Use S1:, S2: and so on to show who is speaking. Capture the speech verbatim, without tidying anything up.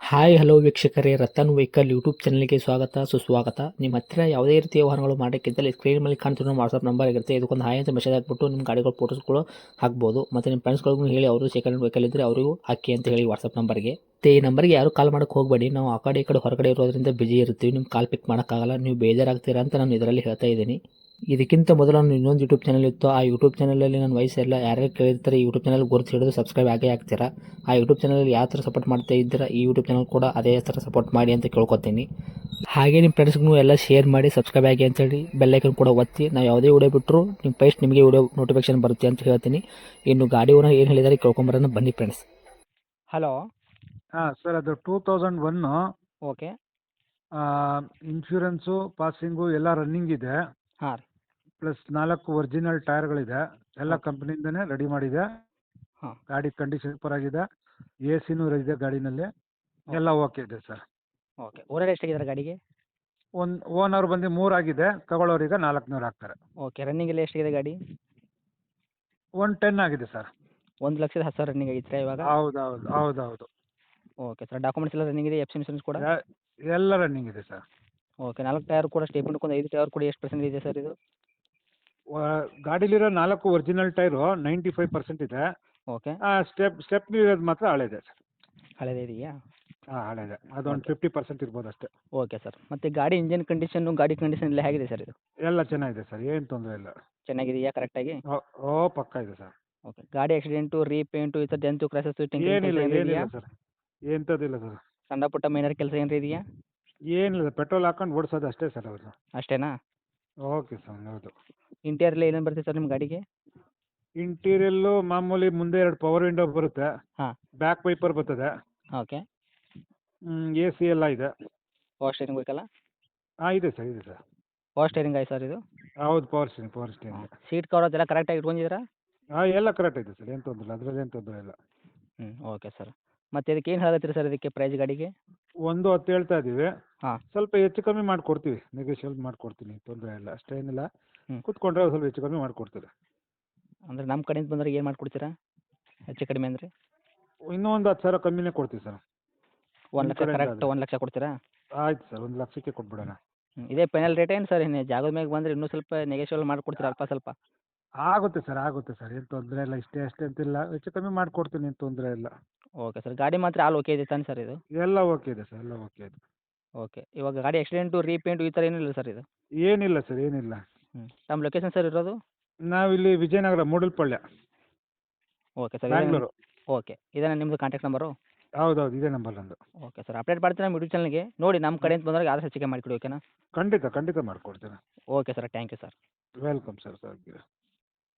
S1: Hi hello ವೀಕ್ಷಕರೇ, Ratan vehicle YouTube ಚಾನಲ್ಗೆ ಸ್ವಾಗತ ಸುಸ್ವಾಗತ. ನಿಮ್ಮ ಹತ್ತಿರ ಯಾವುದೇ ರೀತಿಯ ವಾಹನಗಳು ಮಾಡೋಕ್ಕಿದ್ದಲ್ಲಿ ಸ್ಕ್ರೀನ್ ಮೇಲೆ ಕಾಣ್ತಿರೋ ನಮ್ಮ ವಾಟ್ಸಪ್ ನಂಬರ್ ಇರುತ್ತೆ. ಇದಕ್ಕೊಂದು ಹಾಯ್ ಅಂತ ಮೆಸೇಜ್ ಹಾಕ್ಬಿಟ್ಟು ನಿಮ್ಮ ಗಾಡಿಗಳ ಫೋಟೋಸ್ಗಳು ಹಾಕ್ಬೋದು. ಮತ್ತು ನಿಮ್ಮ ಫ್ರೆಂಡ್ಸ್ಗಳಿಗೂ ಹೇಳಿ ಅವರು ಸೆಕೆಂಡ್ ವೆಹಿಕಲ್ ಇದ್ದರೆ ಅವರಿಗೂ ಹಾಕಿ ಅಂತ ಹೇಳಿ ವಾಟ್ಸಪ್ ನಂಬರ್ಗೆ. ಮತ್ತು ಈ ನಂಬರ್ಗೆ ಯಾರು ಕಾಲ್ ಮಾಡೋಕ್ಕೆ ಹೋಗಬೇಡಿ. ನಾವು ಆ ಕಡೆ ಈ ಕಡೆ ಹೊರಗಡೆ ಇರೋದ್ರಿಂದ ಬಿಜಿ ಇರ್ತೀವಿ. ನಿಮ್ಮ ಕಾಲ್ ಪಿಕ್ ಮಾಡೋಕ್ಕಾಗಲ್ಲ, ನೀವು ಬೇಜಾರಾಗ್ತೀರಾ ಅಂತ ನಾನು ಇದರಲ್ಲಿ ಹೇಳ್ತಾ ಇದ್ದೀನಿ. ಇದಕ್ಕಿಂತ ಮೊದಲು ನಾನು ಇನ್ನೊಂದು ಯೂಟ್ಯೂಬ್ ಚಾನಲ್ ಇತ್ತು. ಆ ಯೂಟ್ಯೂಬ್ ಚಾನಲಲ್ಲಿ ನನ್ನ ವಯಸ್ಸೆಲ್ಲ ಯಾರ್ಯಾರು ಕೇಳಿರ್ತಾರೆ ಈ ಯೂಟ್ಯೂಬ್ ಚಾನಲ್ ಗುರುತು ಹಿಡಿದು ಸಬ್ಸ್ಕ್ರೈಬ್ ಆಗೇ ಆಗ್ತೀರಾ. ಆ ಯೂಟ್ಯೂಬ್ ಚಾನಲಲ್ಲಿ ಯಾವ ಥರ ಸಪೋರ್ಟ್ ಮಾಡ್ತಾ ಇದ್ದೀರಾ ಈ ಯೂಟ್ಯೂಬ್ ಚಾನಲ್ ಕೂಡ ಅದೇ ಥರ ಸಪೋರ್ಟ್ ಮಾಡಿ ಅಂತ ಕೇಳ್ಕೊತೀನಿ. ಹಾಗೆ ನಿಮ್ಮ ಫ್ರೆಂಡ್ಸ್ಗೂ ಎಲ್ಲ ಶೇರ್ ಮಾಡಿ ಸಬ್ಸ್ಕ್ರೈಬ್ ಆಗಿ ಅಂತೇಳಿ ಬೆಲ್ಲೈಕನ್ ಕೂಡ ಒತ್ತಿ. ನಾವು ಯಾವುದೇ ವಿಡಿಯೋ ಬಿಟ್ಟರು ನಿಮ್ಮ ಫಸ್ಟ್ ನಿಮಗೆ ವಿಡಿಯೋ ನೋಟಿಫಿಕೇಶನ್ ಬರುತ್ತೆ ಅಂತ ಹೇಳ್ತೀನಿ. ಇನ್ನು ಗಾಡಿ ಓನರ್ ಏನು ಹೇಳಿದಾರೆ ಕೇಳ್ಕೊಂಬರೋಣ ಬನ್ನಿ ಫ್ರೆಂಡ್ಸ್.
S2: ಹಲೋ.
S3: ಹಾಂ ಸರ್, ಅದು two thousand one
S2: okay.
S3: Insurance passing ಎಲ್ಲ ರನ್ನಿಂಗ್ ಇದೆ.
S2: ಹಾಂ ರೀ.
S3: ಪ್ಲಸ್ ನಾಲ್ಕು ಒರಿಜಿನಲ್ ಟೈರ್ಗಳಿದೆ. ಎಲ್ಲ
S2: Okay.
S3: ಕಂಪ್ನಿಯಿಂದನೇ ರೆಡಿ ಮಾಡಿದೆ.
S2: ಹಾಂ.
S3: ಗಾಡಿ ಕಂಡೀಷನ್ ಸೂಪರ್ ಆಗಿದೆ. ಎ ಸಿನೂ ಇದೆ ಗಾಡಿನಲ್ಲಿ. ಎಲ್ಲ ಓಕೆ ಇದೆ ಸರ್.
S2: ಓಕೆ. ಓನರ್ ಎಷ್ಟಾಗಿದ್ದಾರೆ ಗಾಡಿಗೆ?
S3: ಒಂದು ಓನರ್ ಬಂದು ಮೂರಾಗಿದೆ, ತಗೊಳ್ಳೋರಿಗೆ ನಾಲ್ಕುನೂರು ಆಗ್ತಾರೆ.
S2: ಓಕೆ. ರನ್ನಿಂಗ್ ಎಲ್ಲ ಎಷ್ಟಾಗಿದೆ ಗಾಡಿ?
S3: ಒನ್ ಟೆನ್ ಆಗಿದೆ ಸರ್.
S2: ಒಂದು ಲಕ್ಷದ ಹತ್ತು ಸಾವಿರ ರನ್ನಿಂಗ್ ಆಗಿತ್ತು ಇವಾಗ?
S3: ಹೌದು ಹೌದು ಹೌದು ಹೌದು
S2: ಓಕೆ ಸರ್. ಡಾಕ್ಯುಮೆಂಟ್ಸ್ ಎಲ್ಲ ರನ್ನಿಂಗ್ ಇದೆ, ಎಫ್ ಸಿ ಇನ್ಸೂರೆನ್ಸ್ ಕೂಡ?
S3: ಎ- ಎಲ್ಲ ರನ್ನಿಂಗ್ ಇದೆ ಸರ್.
S2: ಓಕೆ. ನಾಲ್ಕು ಟೈರ್ ಕೂಡ ಸ್ಟೇಪ್ಮೆಂಟ್ ಒಂದು ಐದು ಟೈರ್ ಕೂಡ ಎಷ್ಟು ಪರ್ಸೆಂಟ್ ಇದೆ ಸರ್ ಇದು?
S3: ಗಾಡೀಲಿರೋ ನಾಲ್ಕು original tyre ninety five percent ಇದೆ.
S2: ಓಕೆ.
S3: ಸ್ಟೆಪ್ ಸ್ಟೆಪ್ನಿ ಇರೋದು ಮಾತ್ರ ಹಳೆದೆ ಸರ್.
S2: ಹಳೆದೇ ಇದೆಯಾ?
S3: ಹಾಂ ಹಳೆದೆ, ಅದೊಂದು ಫಿಫ್ಟಿ ಪರ್ಸೆಂಟ್ ಇರ್ಬೋದು ಅಷ್ಟೇ.
S2: Okay sir. ಮತ್ತು ಗಾಡಿ ಇಂಜಿನ್ ಕಂಡೀಷನ್ನು ಗಾಡಿ ಕಂಡೀಷನ್ ಎಲ್ಲ ಹೇಗಿದೆ ಸರ್ ಇದು?
S3: ಎಲ್ಲ ಚೆನ್ನಾಗಿದೆ ಸರ್, ಏನು ತೊಂದರೆ ಇಲ್ಲ.
S2: ಚೆನ್ನಾಗಿದೆಯಾ ಕರೆಕ್ಟಾಗಿ?
S3: ಓ ಓ, ಪಕ್ಕ ಇದೆ ಸರ್.
S2: ಓಕೆ. ಗಾಡಿ ಆಕ್ಸಿಡೆಂಟು ರೀಪೇಂಟು ಈ ಥರ ಡೆಂತು ಕ್ರಾಸಸ್ಸು
S3: ಏನಿಲ್ಲ
S2: ಟಿಂಕರಿಂಗ್
S3: ಏನಿಲ್ಲ
S2: ಇದೆಯಾ?
S3: ಸರ್, ಎಂಥದ್ದಿಲ್ಲ ಸರ್.
S2: ಸಣ್ಣ ಪುಟ್ಟ ಮೈನರ್ ಕೆಲಸ ಏನಾರ ಇದೆಯಾ?
S3: ಏನಿಲ್ಲ, ಪೆಟ್ರೋಲ್ ಹಾಕೊಂಡು ಓಡಿಸೋದು ಅಷ್ಟೇ ಸರ್ ಅವರು.
S2: ಅಷ್ಟೇನಾ?
S3: ಓಕೆ ಸರ್, ಹೌದು.
S2: ಇಂಟೀರಿಯರ್ ಏನೇನು ಬರುತ್ತೆ ಸರ್ ನಿಮ್ಮ ಗಾಡಿಗೆ?
S3: ಇಂಟೀರಿಯಲ್ಲು ಮಾಮೂಲಿ ಮುಂದೆ ಎರಡು ಪವರ್ ವಿಂಡೋ ಬರುತ್ತೆ.
S2: ಹಾಂ.
S3: ಬ್ಯಾಕ್ ವೈಪರ್ ಬರ್ತದೆ.
S2: ಓಕೆ.
S3: ಎ ಸಿ ಎಲ್ಲ ಇದೆ.
S2: ಪವರ್ ಸ್ಟೇರಿಂಗ್ ಬೇಕಲ್ಲ?
S3: ಹಾಂ ಇದೆ ಸರ್, ಇದೆ ಸರ್.
S2: ಪವರ್ ಸ್ಟೇರಿಂಗ್ ಆಯ್ತು ಸರ್ ಇದು?
S3: ಹೌದು, power steering power steering.
S2: Seat cover ಅದೆಲ್ಲ ಕರೆಕ್ಟಾಗಿ ಇಟ್ಕೊಂಡಿದ್ದೀರಾ?
S3: ಹಾಂ, ಎಲ್ಲ ಕರೆಕ್ಟ್ ಇದೆ ಸರ್, ಏನು ತೊಂದರೆ ಇಲ್ಲ, ಅದರಲ್ಲಿ ಏನು ತೊಂದರೆ ಇಲ್ಲ.
S2: ಹ್ಞೂ. Okay sir. ಮತ್ತು ಇದಕ್ಕೆ ಏನು ಹೇಳತ್ತೀರಿ ಸರ್ ಇದಕ್ಕೆ ಪ್ರೈಸ್ ಗಾಡಿಗೆ?
S3: ಒಂದು ಹತ್ತು ಹೇಳ್ತಾ ಇದ್ದೀವಿ.
S2: ಹಾಂ.
S3: ಸ್ವಲ್ಪ ಹೆಚ್ಚು ಕಮ್ಮಿ ಮಾಡಿಕೊಡ್ತೀವಿ, ನೆಗೋಷಿಯೇಟ್ ಮಾಡಿಕೊಡ್ತೀನಿ, ತೊಂದರೆ ಇಲ್ಲ, ಅಷ್ಟೇನಿಲ್ಲ.
S2: ಹ್ಞೂ.
S3: ಕೂತ್ಕೊಂಡ್ರೆ ಸ್ವಲ್ಪ ಹೆಚ್ಚು ಕಮ್ಮಿ ಮಾಡಿಕೊಡ್ತೀವಿ.
S2: ಅಂದರೆ ನಮ್ಮ ಕಡೆಯಿಂದ ಬಂದರೆ ಏನು ಮಾಡಿಕೊಡ್ತೀರಾ ಹೆಚ್ಚು ಕಡಿಮೆ ಅಂದರೆ?
S3: ಇನ್ನೂ ಒಂದು ಹತ್ತು ಸಾವಿರ ಕಮ್ಮಿನೇ ಕೊಡ್ತೀವಿ ಸರ್.
S2: ಒಂದು
S3: ನಿಮ್ಮ
S2: ಲಕ್ಷ
S3: ಕಡೆಯಿಂದ
S2: ಕರೆಕ್ಟ್
S3: ಆದರೆ
S2: ಒಂದು ಲಕ್ಷ ಕೊಡ್ತೀರಾ?
S3: ಆಯ್ತು ಸರ್, ಒಂದು ಲಕ್ಷಕ್ಕೆ ಕೊಟ್ಬಿಡೋಣ.
S2: ಹ್ಞೂ. ಇದೇ ಫೈನಲ್ ರೇಟ್ ಏನು ಸರ್? ಇನ್ನು ಜಾಗದ ಮ್ಯಾಗೆ ಬಂದರೆ ಇನ್ನೂ ಸ್ವಲ್ಪ ನೆಗೋಷಿಯಬಲ್ ಮಾಡಿಕೊಡ್ತೀರಾ ಅಲ್ಪ ಸ್ವಲ್ಪ?
S3: ಆಗುತ್ತೆ ಸರ್, ಆಗುತ್ತೆ ಸರ್, ಏನು ತೊಂದರೆ ಇಲ್ಲ, ಇಷ್ಟೇ ಅಷ್ಟೇ ಅಂತಿಲ್ಲ, ಹೆಚ್ಚು ಕಮ್ಮಿ ಮಾಡಿಕೊಡ್ತೀನಿ, ಏನು ತೊಂದರೆ ಇಲ್ಲ.
S2: Okay sir. ಗಾಡಿ ಮಾತ್ರ ಆಲ್ ಓಕೆ ಇದೆ ತಾನೆ ಸರ್ ಇದು?
S3: ಎಲ್ಲ ಓಕೆ ಇದೆ ಸರ್, ಎಲ್ಲ ಓಕೆ ಇದೆ.
S2: ಓಕೆ. ಇವಾಗ ಗಾಡಿ ಆಕ್ಸಿಡೆಂಟು ರೀಪೇಂಟು ಈ ಥರ ಏನಿಲ್ಲ ಸರ್ ಇದು?
S3: ಏನಿಲ್ಲ ಸರ್, ಏನಿಲ್ಲ.
S2: ಹ್ಞೂ. ತಮ್ಮ ಲೊಕೇಶನ್ ಸರ್ ಇರೋದು?
S3: ನಾವಿಲ್ಲಿ Vijayanagar Moodalpalya,
S2: okay sir.
S3: Bangalore.
S2: Okay. ಇದೇನಾ ನಿಮ್ಮದು ಕಾಂಟ್ಯಾಕ್ಟ್ ನಂಬರು?
S3: ಹೌದೌದು, ಇದೇ ನಂಬರ್ ನಂದು.
S2: Okay sir. ಅಪ್ಡೇಟ್ ಮಾಡ್ತೀನಿ ನಮ್ಮ ಯೂಟ್ಯೂಬ್ ಚಾನಲ್ಗೆ. ನೋಡಿ ನಮ್ಮ ಕಡೆಯಿಂದ ಬಂದಾಗ ಆದಷ್ಟು ಹೆಚ್ಚಿಗೆ ಮಾಡಿಕೊಡಿ, ಓಕೆನಾ?
S3: ಖಂಡಿತ ಖಂಡಿತ ಮಾಡಿಕೊಡ್ತೀನಿ.
S2: Okay sir. Thank you sir.
S3: Welcome sir, sir.